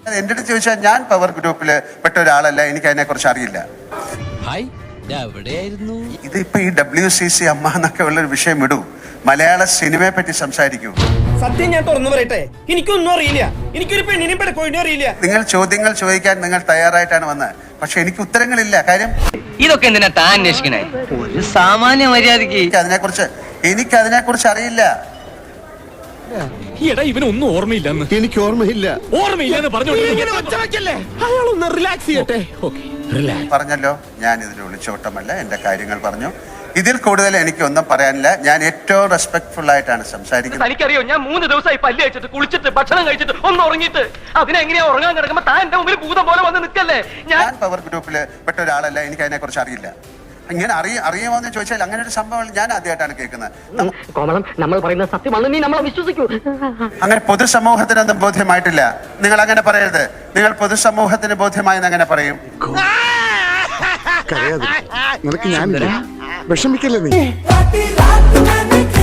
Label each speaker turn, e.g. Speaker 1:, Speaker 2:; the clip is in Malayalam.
Speaker 1: എന്റെ അടുത്ത് ചോദിച്ചാൽ ഞാൻ പവർ ഗ്രൂപ്പിൽ പെട്ട ഒരാളല്ല, എനിക്ക് അതിനെ കുറിച്ച് അറിയില്ല. ഇതിപ്പോ ഈ WCC അമ്മ എന്നൊക്കെ ഉള്ളൊരു വിഷയം വിടൂ, മലയാള സിനിമയെ പറ്റി സംസാരിക്കൂ.
Speaker 2: സത്യം ഞാൻ തുറന്നു പറയട്ടെ, എനിക്കൊന്നും അറിയില്ല, എനിക്കൊരു പെണ്ണിനെയും പെടക്കോഴിനും അറിയില്ല.
Speaker 1: നിങ്ങൾ ചോദ്യങ്ങൾ ചോദിക്കാൻ നിങ്ങൾ തയ്യാറായിട്ടാണ് വന്നത്, പക്ഷെ എനിക്ക് ഉത്തരങ്ങളില്ല. കാര്യം
Speaker 3: ഇതൊക്കെ എന്തിനാ താൻ അന്വേഷിക്കണേ? ഒരു സാമാന്യ മര്യാദക്ക്
Speaker 1: എനിക്ക് അതിനെക്കുറിച്ച് അറിയില്ല.
Speaker 4: ഇവനൊന്നും ഓർമ്മയില്ലെന്ന്.
Speaker 5: എനിക്ക് ഓർമ്മയില്ല.
Speaker 4: ഓർമ്മയില്ലെന്ന്
Speaker 5: അയാളൊന്ന് റിലാക്സ് ചെയ്യട്ടെ.
Speaker 1: പറഞ്ഞല്ലോ, ഞാൻ ഇതിൽ ഒളിച്ചോട്ടമല്ല, എന്റെ കാര്യങ്ങൾ പറഞ്ഞു. ഇതിൽ കൂടുതൽ എനിക്കൊന്നും പറയാനില്ല. ഞാൻ ഏറ്റവും റെസ്പെക്ട്ഫുൾ ആയിട്ടാണ് സംസാരിക്കുന്നത്.
Speaker 3: എനിക്കറിയോ, ഞാൻ 3 ദിവസമായി പല്ല് കഴിച്ചിട്ട് കുളിച്ചിട്ട് ഭക്ഷണം കഴിച്ചിട്ട് ഒന്ന് ഉറങ്ങിയിട്ട് അതിനെങ്ങനെയാ ഉറങ്ങാൻ കിടക്കുമ്പോ താൻ എന്റെ മുമ്പിൽ ഭൂതം പോലെ വന്ന് നിൽക്കല്ലേ?
Speaker 1: ഞാൻ പവർ ഗ്രൂപ്പിൽ പെട്ട ഒരാളല്ല, എനിക്ക് അതിനെ കുറിച്ച് അറിയില്ല. ഇങ്ങനെ അറിയുമോ എന്ന് ചോദിച്ചാൽ അങ്ങനെ ഒരു സംഭവം ഞാൻ ആദ്യമായിട്ടാണ് കേൾക്കുന്നത്.
Speaker 3: നമ്മൾ പറയുന്ന സത്യമാണ്, നീ നമ്മളെ വിശ്വസിക്കൂ.
Speaker 1: അങ്ങനെ പൊതുസമൂഹത്തിനൊന്നും ബോധ്യമായിട്ടില്ല. നിങ്ങൾ അങ്ങനെ പറയരുത്. നിങ്ങൾ പൊതുസമൂഹത്തിന് ബോധ്യമായെന്ന് അങ്ങനെ പറയും.
Speaker 5: നിനക്ക് ഞാനില്ല, വിഷമിക്കല്ലേ നീ.